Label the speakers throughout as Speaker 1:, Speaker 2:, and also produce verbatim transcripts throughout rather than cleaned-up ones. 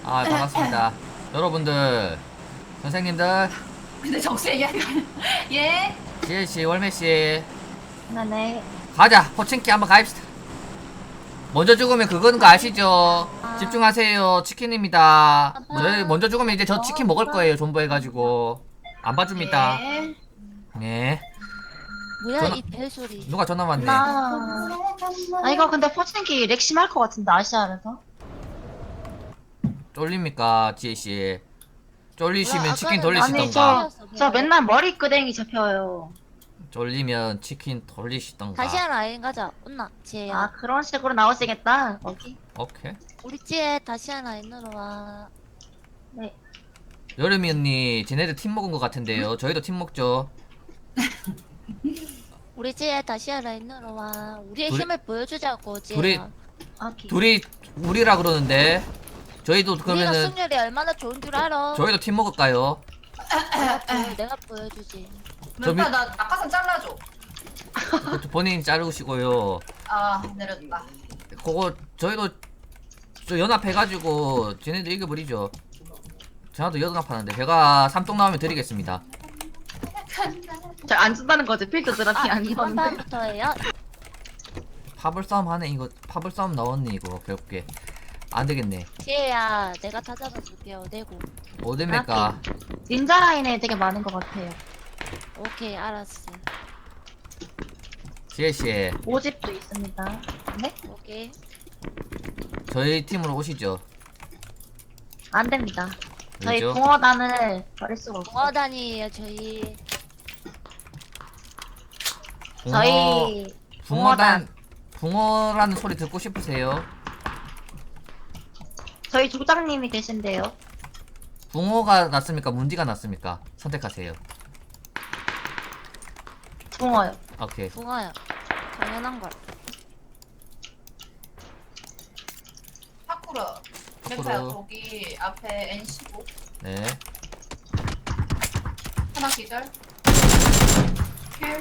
Speaker 1: 아, 반갑습니다. 여러분들, 선생님들,
Speaker 2: 근데 정수 얘기하는 거 예?
Speaker 1: 지혜씨, 월매씨,
Speaker 3: 네네.
Speaker 1: 가자! 포칭키 한번 가입시다. 먼저 죽으면 그거는 거 아시죠? 집중하세요. 치킨입니다. 먼저, 먼저 죽으면 이제 저 치킨 먹을 거예요. 존버해가지고. 안 봐줍니다.
Speaker 2: 예.
Speaker 1: 네.
Speaker 4: 뭐야
Speaker 1: 전화-
Speaker 4: 이 벨소리.
Speaker 1: 누가 전화 왔네.
Speaker 3: 나. 아, 이거 근데 포칭기 렉 심할 것 같은데, 아시아에서?
Speaker 1: 쫄립니까, 지혜씨? 쫄리시면
Speaker 4: 뭐야,
Speaker 1: 치킨
Speaker 4: 아까는
Speaker 3: 아니,
Speaker 1: 돌리시던가.
Speaker 3: 저, 저 맨날 머리 끄댕이 잡혀요.
Speaker 1: 쫄리면 치킨 돌리시던가.
Speaker 4: 다시 하나 라인 가자. 온나 지혜야.
Speaker 3: 아, 그런 식으로 나오시겠다, 거기?
Speaker 1: 오케이.
Speaker 4: 우리 지혜 다시 하나 라인으로 와.
Speaker 3: 네.
Speaker 1: 여름이 언니, 쟤네들 팀 먹은 것 같은데요. 저희도 팀 먹죠.
Speaker 4: 우리 지혜 다시 하나 라인으로 와. 우리의
Speaker 1: 둘이-
Speaker 4: 힘을 보여주자고 지혜야.
Speaker 1: 둘이-
Speaker 3: 오케이.
Speaker 1: 둘이 우리라 그러는데 저희도
Speaker 4: 우리가
Speaker 1: 그러면은
Speaker 4: 승률이 얼마나 좋은 줄 알아.
Speaker 1: 저희도 팀 먹을까요?
Speaker 4: 내가, 보여, 내가 보여주지.
Speaker 1: 저
Speaker 2: 멘타
Speaker 1: 미-
Speaker 2: 나 낙하산 잘라줘.
Speaker 1: 본인 자르시고요.
Speaker 2: 아 내렸다.
Speaker 1: 그거 저희도 저 연합해가지고 쟤네들 이겨버리죠. 저도 연합하는데 제가 삼동 나오면 드리겠습니다.
Speaker 3: 잘 안 준다는 거지, 필드 드랍이
Speaker 4: 아
Speaker 3: 안
Speaker 4: 이번
Speaker 3: 주는데.
Speaker 4: 판부터예요.
Speaker 1: 파벌 싸움 하네. 이거 파벌 싸움 나왔네. 이거 괴롭게 안 되겠네.
Speaker 4: 지혜야 내가 다 잡아줄게요. 내고.
Speaker 1: 어딥니까?
Speaker 3: 닌자 라인에 되게 많은 것 같아요.
Speaker 4: 오케이 알았어.
Speaker 1: 지혜씨
Speaker 3: 오집도 있습니다. 네?
Speaker 4: 오케이.
Speaker 1: 저희 팀으로 오시죠.
Speaker 3: 안 됩니다. 저희
Speaker 1: 왜죠?
Speaker 3: 공허단을 버릴 수가 없어요.
Speaker 4: 공화단이에요 저희.
Speaker 1: 붕어,
Speaker 3: 저희
Speaker 1: 붕어단 붕어라는 소리 듣고 싶으세요?
Speaker 3: 저희 조장님이 계신데요.
Speaker 1: 붕어가 낫습니까? 문디가 낫습니까? 선택하세요.
Speaker 3: 붕어요.
Speaker 1: 오케이.
Speaker 4: 붕어요. 당연한 걸.
Speaker 2: 파쿠르. 멘타야 거기 앞에 엔 십오
Speaker 1: 네.
Speaker 2: 하나 기절. 킬.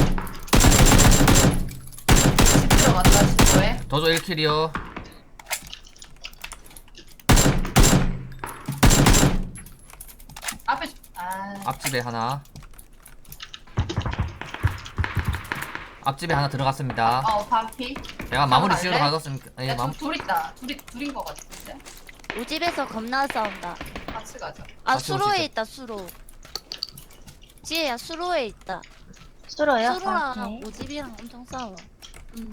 Speaker 2: 집 들어갔다 십오에.
Speaker 1: 저도 일 킬이요.
Speaker 2: 앞에 아
Speaker 1: 앞집에 하나. 앞집에 하나 들어갔습니다.
Speaker 2: 어 반피.
Speaker 1: 제가 마무리
Speaker 2: 갈래?
Speaker 1: 지으러 가겠습니다. 예,
Speaker 2: 야,
Speaker 1: 마무...
Speaker 2: 둘 있다. 둘이 둘인 거 같은데.
Speaker 4: 우집에서 겁나 싸운다.
Speaker 2: 같이 가자.
Speaker 4: 아
Speaker 1: 같이
Speaker 4: 수로에
Speaker 1: 오시죠.
Speaker 4: 있다 수로. 지혜야 수로에 있다.
Speaker 3: 수로요?
Speaker 4: 수로랑
Speaker 3: 오케이.
Speaker 4: 오집이랑 엄청 싸워. 음.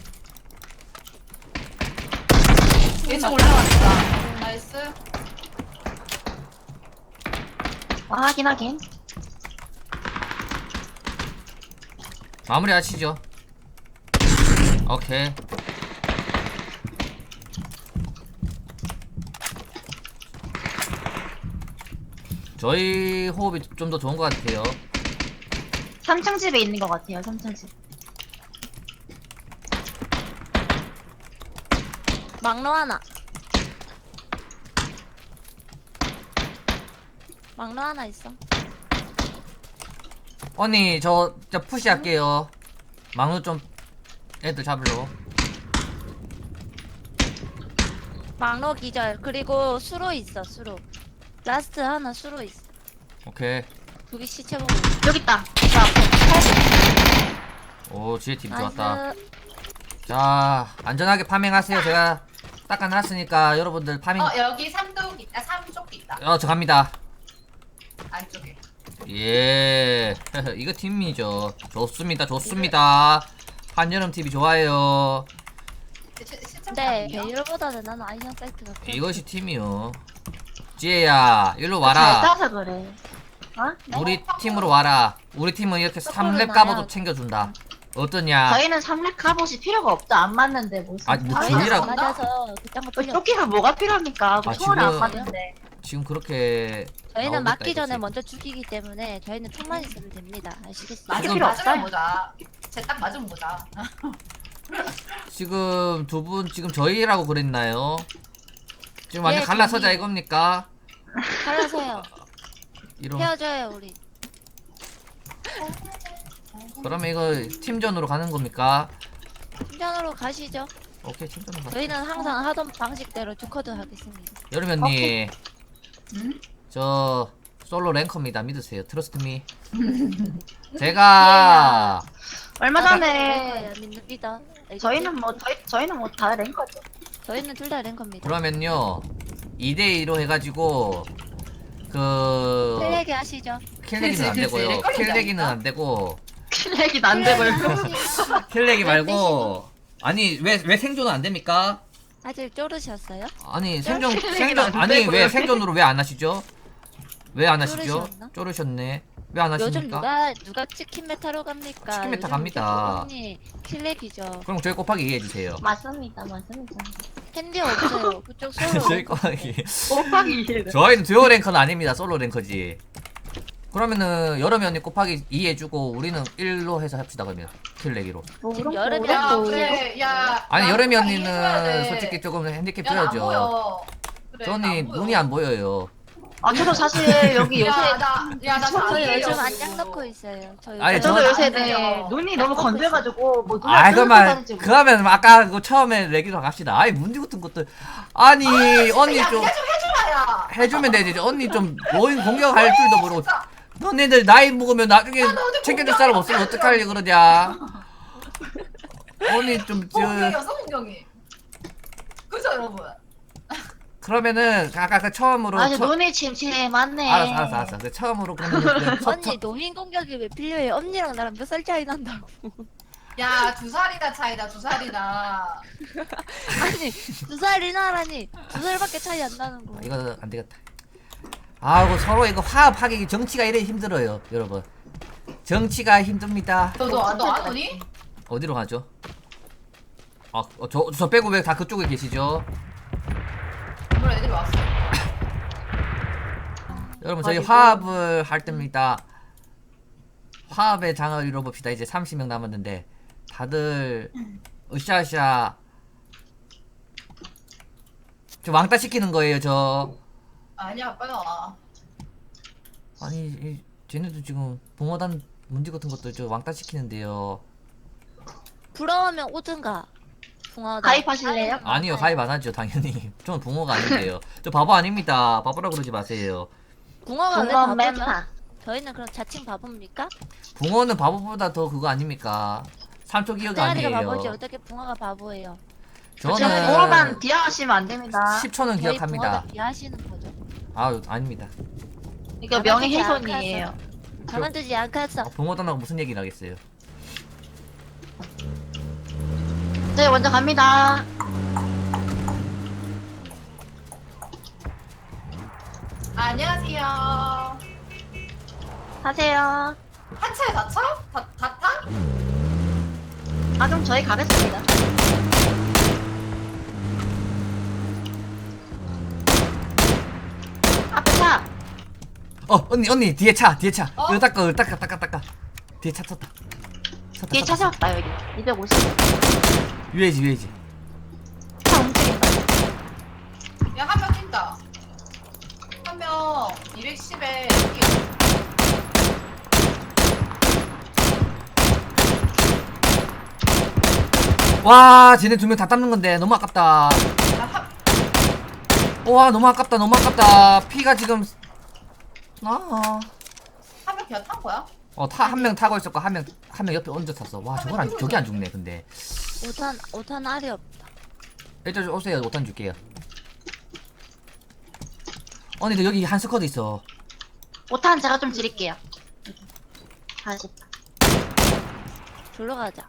Speaker 2: 왼쪽 올라왔다. 나이스.
Speaker 3: 아, 하긴 하긴.
Speaker 1: 마무리 하시죠. 오케이. 저희 호흡이 좀 더 좋은 것 같아요.
Speaker 3: 삼 층 집에 있는 것 같아요, 삼 층 집.
Speaker 4: 막로 하나. 막로 하나 있어.
Speaker 1: 언니 저, 저 푸시 할게요. 망루 좀 애들 잡으러.
Speaker 4: 막로 기절. 그리고 수로 있어 수로. 라스트 하나 수로 있어.
Speaker 1: 오케이.
Speaker 4: 거기 시체 보고. 있어.
Speaker 3: 여기 있다. 저 앞에.
Speaker 1: 오 지혜 팀 좋았다.
Speaker 4: 나이스.
Speaker 1: 자 안전하게 파밍하세요. 제가 닦아놨으니까 여러분들 파밍.
Speaker 2: 어 여기 삼독 있다. 삼쪽 있다.
Speaker 1: 어 저 갑니다.
Speaker 2: 안쪽에.
Speaker 1: 예 이거 팀이죠. 좋습니다 좋습니다. 한여름 티비 좋아요.
Speaker 2: 시- 시청
Speaker 4: 네
Speaker 2: 아니에요?
Speaker 4: 베일보다는 나는 아이언 사이트가 더
Speaker 1: 이것이 팀이요. 지혜야 일로
Speaker 3: 잘
Speaker 1: 와라.
Speaker 3: 따서 그래. 어? 네?
Speaker 1: 우리 팀으로 와라. 우리 팀은 이렇게 삼 렙 까봐도 챙겨준다. 어떠냐?
Speaker 3: 저희는 삼렙 카봇이 필요가 없죠. 안 맞는데 무슨.
Speaker 1: 아, 뭐
Speaker 4: 저희는
Speaker 1: 둘이라-
Speaker 4: 안 맞아서 그딴 거
Speaker 3: 어,
Speaker 4: 필요 없어.
Speaker 3: 조끼가 뭐가 필요합니까?
Speaker 1: 아,
Speaker 3: 총알을 안
Speaker 1: 지금-
Speaker 3: 맞는데.
Speaker 1: 지금 그렇게
Speaker 4: 저희는
Speaker 1: 나오겠다,
Speaker 4: 맞기 전에
Speaker 1: 이거지.
Speaker 4: 먼저 죽이기 때문에 저희는 총만 있으면 됩니다. 아시겠어요?
Speaker 2: 맞으면
Speaker 1: 지금-
Speaker 3: 필요
Speaker 2: 맞으면
Speaker 3: 없어요.
Speaker 2: 보자. 쟤 딱 맞으면 보자.
Speaker 1: 지금 두 분 지금 저희라고 그랬나요? 지금 완전
Speaker 4: 예,
Speaker 1: 갈라서자
Speaker 4: 저희.
Speaker 1: 이겁니까?
Speaker 4: 갈라서요.
Speaker 1: 이런
Speaker 4: 헤어져요 우리.
Speaker 1: 그러면 이거 팀전으로 가는 겁니까?
Speaker 4: 팀전으로 가시죠.
Speaker 1: 오케이 챔피언 가.
Speaker 4: 저희는 항상 하던 방식대로 두 컷을 하겠습니다.
Speaker 1: 여름 언니
Speaker 2: 응?
Speaker 1: 저 솔로 랭커입니다. 믿으세요. 트러스트 미. 제가
Speaker 3: 얼마 전에
Speaker 4: 네, 믿습니다.
Speaker 3: 저희는 뭐 저희 저희는 뭐 다 랭커죠.
Speaker 4: 저희는 둘 다 랭커입니다.
Speaker 1: 그러면요 이 대 이로 해가지고 그
Speaker 4: 킬레기 하시죠.
Speaker 1: 킬내기는 안
Speaker 2: 그치, 그치.
Speaker 1: 되고요.
Speaker 2: 렉걸린다니까?
Speaker 1: 킬내기는 안 되고
Speaker 3: 킬렉이 안 되고
Speaker 1: 킬내기 말고 아니 왜 왜 생존은 안 됩니까?
Speaker 4: 아직 쪼르셨어요?
Speaker 1: 아니 생존
Speaker 3: 킬내기는
Speaker 1: 생존
Speaker 3: 안
Speaker 1: 아니
Speaker 3: 되고요.
Speaker 1: 왜 생존으로 왜 안 하시죠? 왜 안 하시죠?
Speaker 4: 쪼르셨나?
Speaker 1: 쪼르셨네. 왜 안
Speaker 4: 요즘
Speaker 1: 하십니까?
Speaker 4: 누가 누가 치킨 메타로 갑니까?
Speaker 1: 치킨 메타
Speaker 4: 요즘
Speaker 1: 갑니다.
Speaker 4: 언니 킬렉이죠.
Speaker 1: 그럼 저희 곱하기 이해해 주세요.
Speaker 3: 맞습니다, 맞습니다.
Speaker 4: 캔디 없어요. 그쪽
Speaker 1: 저희
Speaker 4: 솔로.
Speaker 1: 곱하기.
Speaker 3: 곱하기 이해를.
Speaker 1: 저희는 듀오 랭커는 아닙니다. 솔로 랭커지. 그러면은 여름이 언니 곱하기 이 해주고 우리는 일로 해서 합시다 그러면 킬내기로.
Speaker 4: 지금 여름이
Speaker 2: 야
Speaker 4: 또
Speaker 2: 그래 야.
Speaker 1: 아니
Speaker 2: 나
Speaker 1: 여름이
Speaker 2: 곱하기 해줘야
Speaker 1: 언니는
Speaker 2: 돼.
Speaker 1: 솔직히 조금 핸디캡
Speaker 2: 야, 나안
Speaker 1: 줘야죠.
Speaker 2: 보여. 그래,
Speaker 1: 저 언니
Speaker 2: 나안 보여.
Speaker 1: 눈이 안 보여요.
Speaker 3: 아 저도 사실 여기 요새
Speaker 2: 야, 나, 야, 나
Speaker 4: 저
Speaker 2: 자기예요.
Speaker 4: 요즘 안장 넣고 있어요. 저 요즘
Speaker 1: 아니,
Speaker 3: 저도
Speaker 1: 저-
Speaker 3: 요새
Speaker 2: 안
Speaker 3: 네,
Speaker 2: 돼요.
Speaker 3: 눈이 너무 건조해가지고 뭐 눈을
Speaker 1: 아
Speaker 3: 뜨고
Speaker 1: 그러면
Speaker 3: 다니지
Speaker 1: 그러면 아까 그 처음에 내기로 갑시다. 아이 문제 같은 것들 아니 언니
Speaker 2: 야,
Speaker 1: 좀
Speaker 2: 야, 좀 해주라, 야.
Speaker 1: 해주면 되지. 언니 좀 노인 공격할 줄도 모르고 너네들 나이 먹으면 나중에 챙겨줄 사람 없으면 어떡하려 그러냐. 언니 좀 저
Speaker 2: 공경이 없어, 공경이. 그죠, 여러분?
Speaker 1: 그러면은 아까 그 처음으로
Speaker 3: 아니
Speaker 1: 처-
Speaker 3: 눈이 침침하네.
Speaker 1: 알았어 알았어 알았어. 그 처음으로 그러면 첫-
Speaker 4: 언니 노인 공격이 왜 필요해? 언니랑 나랑 몇 살 차이 난다고.
Speaker 2: 야, 두 살이나 차이다, 두 살이나.
Speaker 4: 아니 두 살이나라니 두 살밖에 차이 안 나는 거.
Speaker 1: 아, 이거 안 되겠다. 아이고 서로 이거 화합하기 정치가 이래 힘들어요 여러분. 정치가 힘듭니다.
Speaker 2: 너, 너, 너 안 오니?
Speaker 1: 어디로 가죠? 아, 어, 저, 저 빼고 왜 다 그쪽에 계시죠?
Speaker 2: 오늘 애들이 왔어.
Speaker 1: 여러분 저희
Speaker 3: 아이고.
Speaker 1: 화합을 할 때입니다. 화합의 장을 이뤄봅시다. 이제 삼십 명 남았는데 다들 으쌰으쌰 저 왕따 시키는 거예요 저.
Speaker 2: 아니야, 빨리 와.
Speaker 1: 아니 이, 쟤네도 지금 붕어단 문제 같은 것도 저 왕따 시키는데요.
Speaker 4: 부러우면 오든가. 붕어다.
Speaker 3: 가입하실래요?
Speaker 1: 아니요 가입 안 하죠 당연히. 저는 붕어가 아닌데요. 저 바보 아닙니다. 바보라 그러지 마세요.
Speaker 4: 붕어가 왜
Speaker 3: 공원
Speaker 4: 바보죠?
Speaker 3: 메타.
Speaker 4: 저희는 그럼 자칭 바보입니까?
Speaker 1: 붕어는 바보보다 더 그거 아닙니까? 삼초 기억
Speaker 4: 대가리가
Speaker 1: 아니에요.
Speaker 4: 바보지 어떻게 붕어가 바보예요?
Speaker 3: 저는
Speaker 1: 저는
Speaker 3: 공원만 비하하시면 안 됩니다.
Speaker 1: 십 초는
Speaker 4: 저희
Speaker 1: 기억합니다.
Speaker 4: 붕어를 비하시는 거죠.
Speaker 1: 아유 아닙니다.
Speaker 3: 이거 명예훼손이에요.
Speaker 4: 가만두지 않겠어.
Speaker 1: 아, 붕어단하고 무슨 얘기를 하겠어요?
Speaker 3: 네 먼저 갑니다.
Speaker 2: 안녕하세요.
Speaker 3: 하세요.
Speaker 2: 한 차에 다 차? 다, 다 타?
Speaker 3: 아 그럼 저희 가겠습니다. 앞에 차.
Speaker 1: 어 언니 언니 뒤에 차 뒤에 차.
Speaker 2: 어?
Speaker 1: 이거 닦아 이거 닦아 닦아 닦아. 뒤에 차 탔다. 탔다,
Speaker 3: 뒤에
Speaker 1: 탔다.
Speaker 3: 차 세웠다 여기. 이백오십.
Speaker 1: 유해지 유해지.
Speaker 3: 차 움직인다.
Speaker 2: 야, 한 명 뛴다. 한 명 이백십에 뛰어.
Speaker 1: 와 쟤네 두 명 다 닦는 건데 너무 아깝다.
Speaker 2: 야, 한,
Speaker 1: 와 너무 아깝다 너무 아깝다. 피가 지금 아.
Speaker 2: 한명 그냥 탄 거야?
Speaker 1: 어타 한 명 타고 있었고 한 명 한 명 옆에 얹어 탔어. 와 저걸 안 저게 안 죽네 근데.
Speaker 4: 오탄 오탄 알이 없다.
Speaker 1: 일단 오세요 오탄 줄게요. 언니들 여기 한 스쿼드 있어.
Speaker 3: 오탄 제가 좀 드릴게요. 사십.
Speaker 4: 졸러 가자.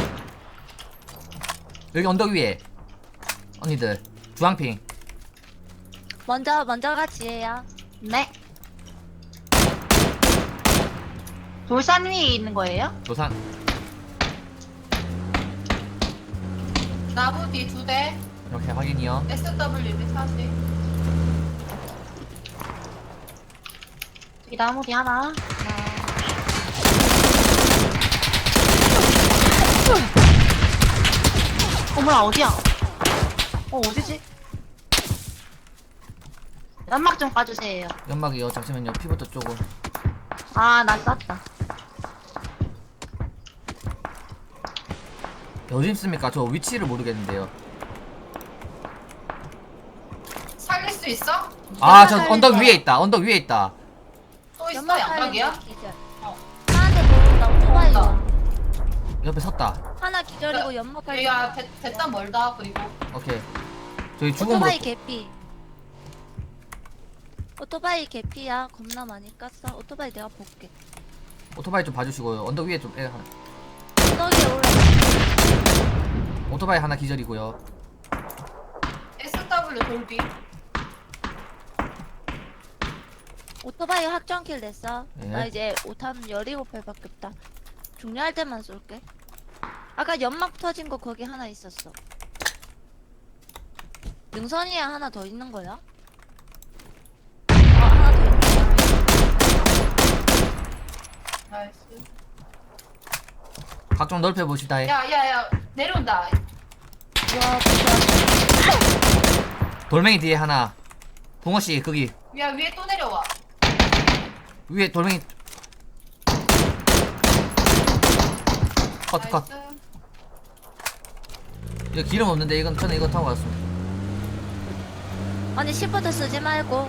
Speaker 1: 여기 언덕 위에 언니들 주황핑.
Speaker 4: 먼저 먼저 같이 해요.
Speaker 3: 네. 돌산 위에 있는 거예요?
Speaker 1: 도산.
Speaker 2: 나무 뒤 두 대.
Speaker 1: 이렇게 확인이요.
Speaker 2: 에스 더블유 이백사십.
Speaker 3: 여기 나무 뒤 하나. 어머나 어디야? 어 어디지? 연막 좀 까주세요.
Speaker 1: 연막이요. 잠시만요. 피부터 조금.
Speaker 3: 아, 난 쐈다.
Speaker 1: 어디 있습니까? 저 위치를 모르겠는데요.
Speaker 2: 수 있어?
Speaker 1: 아 저
Speaker 4: 연막
Speaker 1: 언덕
Speaker 4: 살릴
Speaker 1: 위에 있다. 언덕 위에 있다.
Speaker 2: 또 있어
Speaker 4: 연막
Speaker 2: 양각이야?
Speaker 4: 살리는 기절.
Speaker 2: 어.
Speaker 4: 하나한테 모른다. 오토바이가.
Speaker 1: 옆에 섰다.
Speaker 4: 하나 기절이고 연막 살리.
Speaker 2: 여기가 배- 배단 멀다. 그리고
Speaker 1: 오케이. 저기 죽은
Speaker 4: 오토바이
Speaker 1: 거.
Speaker 4: 개피. 오토바이 개피야. 겁나 많이 깠어. 오토바이 내가 볼게.
Speaker 1: 오토바이 좀 봐주시고요. 언덕 위에 좀 애, 하나.
Speaker 4: 언덕에 올라.
Speaker 1: 오토바이 하나 기절이고요.
Speaker 2: 에스더블유 돌비.
Speaker 4: 오토바이 확정킬 냈어.
Speaker 1: 예.
Speaker 4: 나 이제 오탄 열일곱 발밖에 없다. 중요할 때만 쏠게. 아까 연막 터진 거 거기 하나 있었어. 능선이에 하나 더 있는 거야? 아 하나 더 있는 거야.
Speaker 2: 나이스.
Speaker 1: 각 좀 넓혀 보시다. 해.
Speaker 2: 야야야 내려온다.
Speaker 4: 와 진짜.
Speaker 1: 돌멩이 뒤에 하나. 붕어 씨 거기
Speaker 2: 야 위에 또 내려와.
Speaker 1: 위에 돌멩이. 컷 컷.
Speaker 2: 나이스.
Speaker 1: 이거 기름 없는데 이건 저는 이거 타고 갔습니다.
Speaker 4: 아니 시프트 쓰지 말고.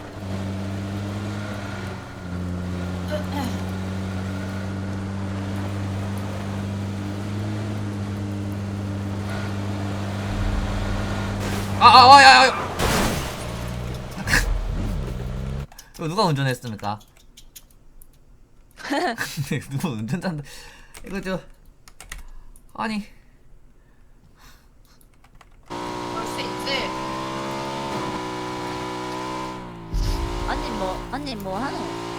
Speaker 1: 아아아야야. 이거 누가 운전했습니까? 누가 운전한다. 이거 저 아니
Speaker 2: 볼 수 있지.
Speaker 4: 아니 뭐 아니 뭐 하노?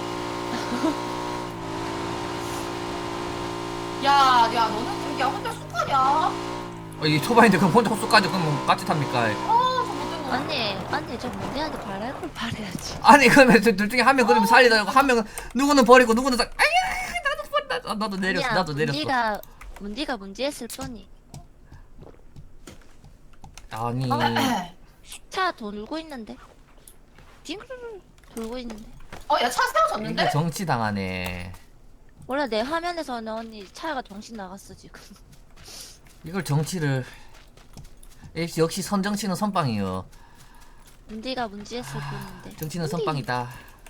Speaker 2: 야, 야, 너는 그게 혼자 쑥하냐? 아,
Speaker 1: 어, 이 초반인데 그럼 혼자 헛수까지 그러면 같이 탑니까?
Speaker 2: 저 못된 거.
Speaker 4: 아니 아니 저 문제한테 바랄 걸 바래야지.
Speaker 1: 아니 그러면 둘 중에 한 명 그러면 살리다 한 명은 누구는 버리고 누구는 사 아야 나도 버렸다. 아, 나도 내렸어 나도 내렸어.
Speaker 4: 문디가 문디가 문제했을 뿐이.
Speaker 1: 아니
Speaker 4: 차 돌고 있는데. 딩글 돌고 있는데.
Speaker 2: 어, 야, 차
Speaker 1: 이게
Speaker 2: 세워졌는데?
Speaker 1: 정치 당하네.
Speaker 4: 원래 내 화면에서는 언니 차가 정신 나갔어 지금.
Speaker 1: 이걸 정치를 역시 역시 선정치는 선빵이요.
Speaker 4: 문디가 문제했을 뿐인데.
Speaker 1: 정치는 선빵이다.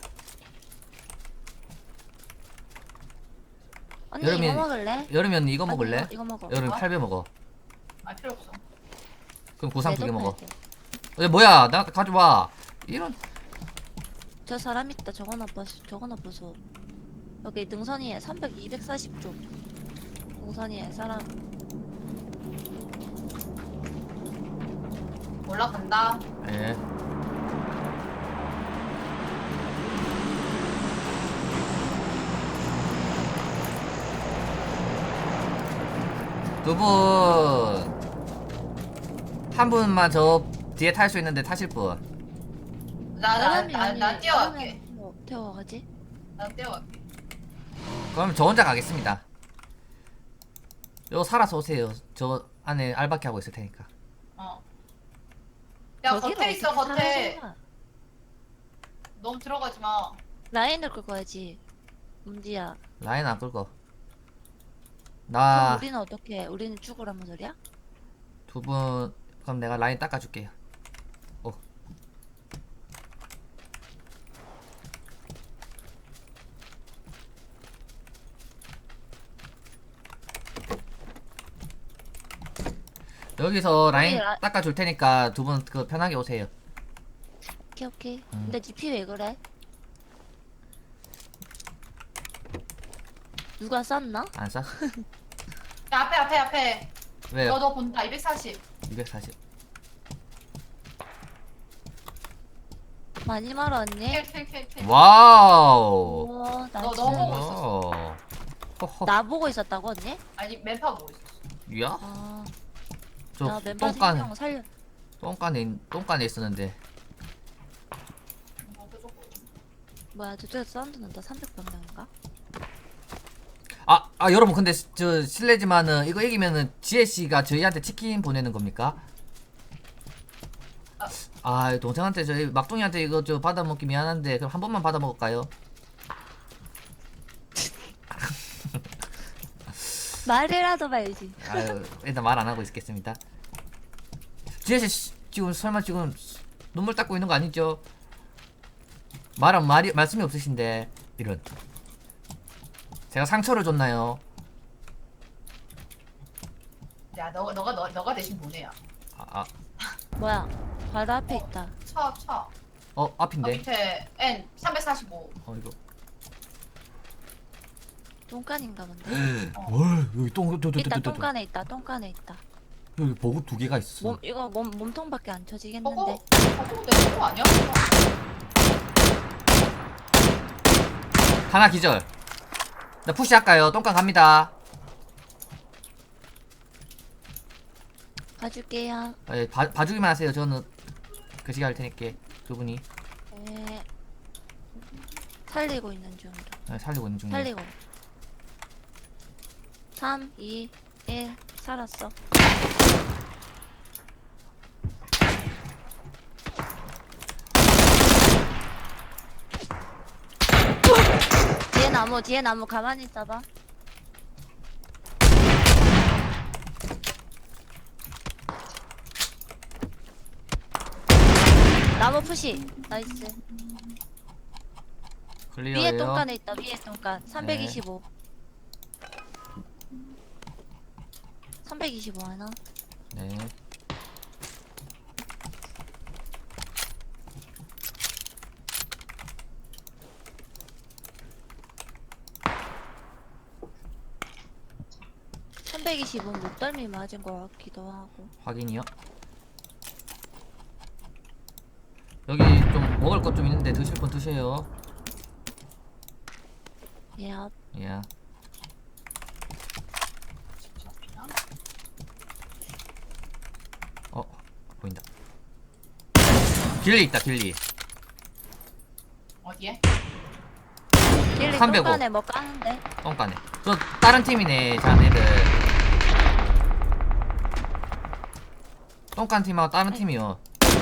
Speaker 4: 언니
Speaker 1: 여름이-
Speaker 4: 이거 먹을래?
Speaker 1: 여름엔 이거
Speaker 4: 아니,
Speaker 1: 먹을래?
Speaker 4: 이거, 이거 먹어.
Speaker 1: 여름
Speaker 2: 뭐?
Speaker 1: 팔배 먹어.
Speaker 2: 아, 필요 없어.
Speaker 1: 그럼 구상 두 개
Speaker 4: 내
Speaker 1: 먹어.
Speaker 4: 돈 팔게.
Speaker 1: 어, 뭐야 나 가져와. 이런
Speaker 4: 저 사람 있다. 저거 나빠서 저거 나빠서. 여기 능선이에 삼백, 이백사십 쪽. 능선이에 사람.
Speaker 2: 올라간다.
Speaker 1: 예. 두 분. 한 분만 저 뒤에 탈 수 있는데 타실 분.
Speaker 2: 나, 나,
Speaker 4: 사람이
Speaker 2: 나,
Speaker 4: 아니,
Speaker 2: 나 뛰어갈게.
Speaker 4: 사람은 뭐 태워가지?
Speaker 2: 나 뛰어갈게.
Speaker 1: 그럼 저 혼자 가겠습니다. 요 살아서 오세요. 저 안에 알바키 하고 있을 테니까.
Speaker 2: 어. 야,
Speaker 4: 저기를
Speaker 2: 겉에 있어,
Speaker 4: 어떻게
Speaker 2: 겉에.
Speaker 4: 살아서
Speaker 2: 너무 들어가지 마.
Speaker 4: 라인을 끌고야지. 문디야.
Speaker 1: 라인 안 끌고.
Speaker 4: 그럼
Speaker 1: 나
Speaker 4: 우리는 어떻게? 우리는 죽으라는 소리야?
Speaker 1: 두 분 그럼 내가 라인 닦아줄게요. 오. 여기서 라인
Speaker 4: 우리 라-
Speaker 1: 닦아줄 테니까 두 분 그 편하게 오세요.
Speaker 4: 오케이 오케이.
Speaker 1: 음.
Speaker 4: 근데 디피 왜 그래? 누가 쐈나?
Speaker 1: 안 싸?
Speaker 2: 야, 앞에, 앞에, 앞에.
Speaker 1: 왜요?
Speaker 2: 너, 너 본다. 이백사십.
Speaker 1: 이백사십.
Speaker 4: 많이 말았니?
Speaker 2: 킬, 킬, 킬, 킬.
Speaker 1: 와우.
Speaker 4: 우와 나
Speaker 2: 너
Speaker 4: 진짜
Speaker 2: 너무 보고
Speaker 1: 어. 허허.
Speaker 4: 나 보고 있었다고 언니?
Speaker 2: 아니, 맵파 보고 있었어.
Speaker 1: 야?
Speaker 4: 아,
Speaker 1: 저
Speaker 4: 나 멤버
Speaker 1: 똥간
Speaker 4: 생명 살려.
Speaker 1: 똥간에 똥간에 있었는데.
Speaker 2: 어, 그쪽 보고.
Speaker 4: 뭐야 저쪽에서 사운드 난다. 삼백 방향인가?
Speaker 1: 아, 아 여러분 근데 시- 저 실례지만은 이거 이기면은 지혜 씨가 저희한테 치킨 보내는 겁니까? 아, 동생한테 저희 막둥이한테 이거 저 받아 먹기 미안한데 그럼 한 번만 받아 먹을까요?
Speaker 4: 말이라도 말지.
Speaker 1: 아유, 일단 말 안 하고 있겠습니다. 지혜 씨 지금 설마 지금 눈물 닦고 있는 거 아니죠? 말은 말이 말씀이 없으신데 이런. 제가 상처를 줬나요?
Speaker 2: 야 너가 너가 너, 너가 대신 보내야.
Speaker 1: 아, 아.
Speaker 4: 뭐야? 바로 앞에 있다.
Speaker 2: 쳐 쳐.
Speaker 1: 어
Speaker 2: 어,
Speaker 1: 앞인데.
Speaker 2: 밑에 N 삼백사십오.
Speaker 1: 어 이거.
Speaker 4: 똥간인가 본데.
Speaker 1: 뭘 여기 똥, 똥, 똥, 똥,
Speaker 4: 있다.
Speaker 1: 똥, 똥.
Speaker 4: 똥간에 있다. 똥간에 있다.
Speaker 1: 여기 보급 두 개가 있어.
Speaker 4: 몸 이거 몸 몸통밖에 안 쳐지겠는데.
Speaker 2: 저거 저거 내 거 아니야?
Speaker 1: 하나 기절. 나 푸시 할까요? 똥강 갑니다.
Speaker 4: 가줄게요.
Speaker 1: 예, 봐, 봐주기만 하세요. 저는 그 시간 할 테니까 두 분이
Speaker 4: 네. 살리고 있는 중이다.
Speaker 1: 예, 살리고 있는 중이에요.
Speaker 4: 살리고. 삼, 이, 일 살았어. 뒤에 나무, 뒤에 나무 가만히 있어봐. 나무 푸시. 나이스.
Speaker 1: 클리어예요.
Speaker 4: 위에 똥간에 있다. 위에 똥간. 삼백이십오. 삼백이십오 하나.
Speaker 1: 네.
Speaker 4: 삼백이십오는 목덜미 맞은 것 같기도 하고.
Speaker 1: 확인이요. 여기 좀 먹을 것 좀 있는데 드실 분 드세요.
Speaker 4: 예.
Speaker 1: 예. 어 보인다. 길리 있다 길리.
Speaker 2: 어디에?
Speaker 4: 길리
Speaker 1: 삼백오.
Speaker 4: 똥간에 뭐 까는데?
Speaker 1: 똥간에. 저 다른 팀이네 자네들. 똥간 팀하고 다른 팀이요.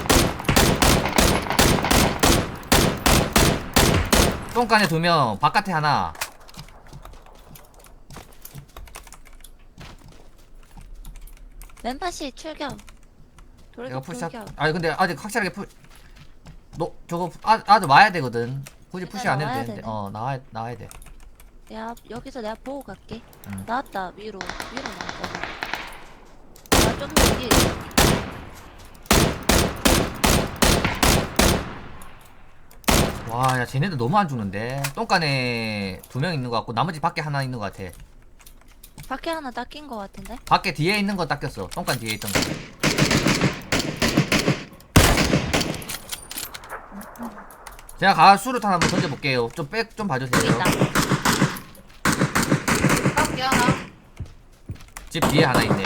Speaker 1: 똥간에 두 명, 바깥에 하나.
Speaker 4: 멤파시 출격.
Speaker 1: 내가
Speaker 4: 돌격
Speaker 1: 푸시할.
Speaker 4: 돌격.
Speaker 1: 아니 근데 아직 확실하게 푸. 너 저거 아 아직 와야 되거든. 굳이 푸시 안 해도
Speaker 4: 나와야
Speaker 1: 되는데.
Speaker 4: 되네.
Speaker 1: 어 나와야 나와야 돼.
Speaker 4: 야 여기서 내가 보고 갈게.
Speaker 1: 응.
Speaker 4: 나왔다 위로 위로 나왔다. 나좀 여기.
Speaker 1: 와, 야 쟤네들 너무 안 주는데. 똥간에 두 명 있는 것 같고 나머지 밖에 하나 있는 것 같아.
Speaker 4: 밖에 하나 닦인 것 같은데?
Speaker 1: 밖에 뒤에 있는 거 닦였어. 똥간 뒤에 있던 거. 제가 가 수류탄 한번 던져볼게요. 좀 백 좀
Speaker 4: 여기
Speaker 1: 봐주세요.
Speaker 4: 있다.
Speaker 2: 밖에 하나.
Speaker 1: 집 뒤에 하나 있네.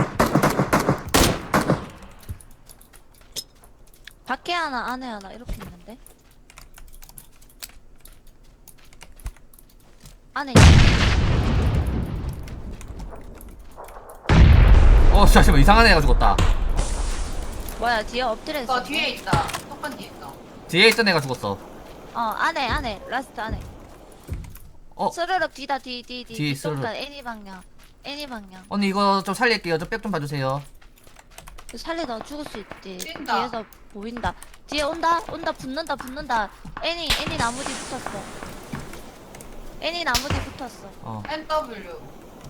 Speaker 4: 밖에 하나 안에 하나 이렇게 있는데? 안에 있-
Speaker 1: 어, 잠시만 이상한 애가 죽었다.
Speaker 4: 뭐야 뒤에 엎드려 있어.
Speaker 2: 저 뒤에 있다. 똑같은 뒤에 있다.
Speaker 1: 뒤에 있던 애가 죽었어.
Speaker 4: 어 안에 안에 라스트 안에.
Speaker 1: 어,
Speaker 4: 스르륵 뒤다 뒤 뒤 뒤.
Speaker 1: 뒤
Speaker 4: 뒷동간
Speaker 1: 스르륵.
Speaker 4: 애니 방향. 애니 방향.
Speaker 1: 언니 이거 좀 살릴게요. 좀 백 좀 봐주세요.
Speaker 4: 살리다 죽을 수 있지.
Speaker 2: 뛴다.
Speaker 4: 뒤에서 보인다. 뒤에 온다 온다 붙는다 붙는다. 애니 애니 나무 뒤 붙었어. 애니 나무 뒤 붙었어.
Speaker 1: 어,
Speaker 2: 엔 더블유.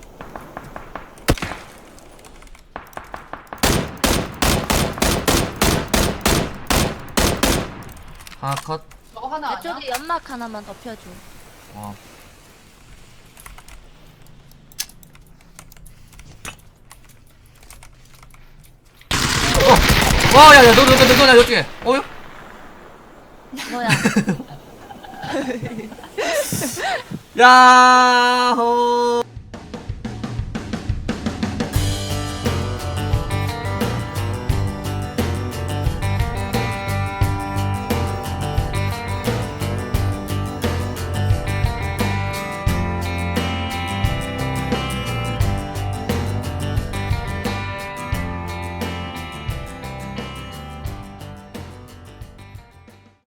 Speaker 1: 하나 컷.
Speaker 2: 저거 하나
Speaker 4: 내
Speaker 2: 아니야?
Speaker 4: 쪽에 연막 하나만 더 펴줘.
Speaker 1: 어. 어! 와, 야, 야, 너, 너, 너, 너, 너, 나 이쪽에. 어요?
Speaker 4: 뭐야?
Speaker 1: 야호!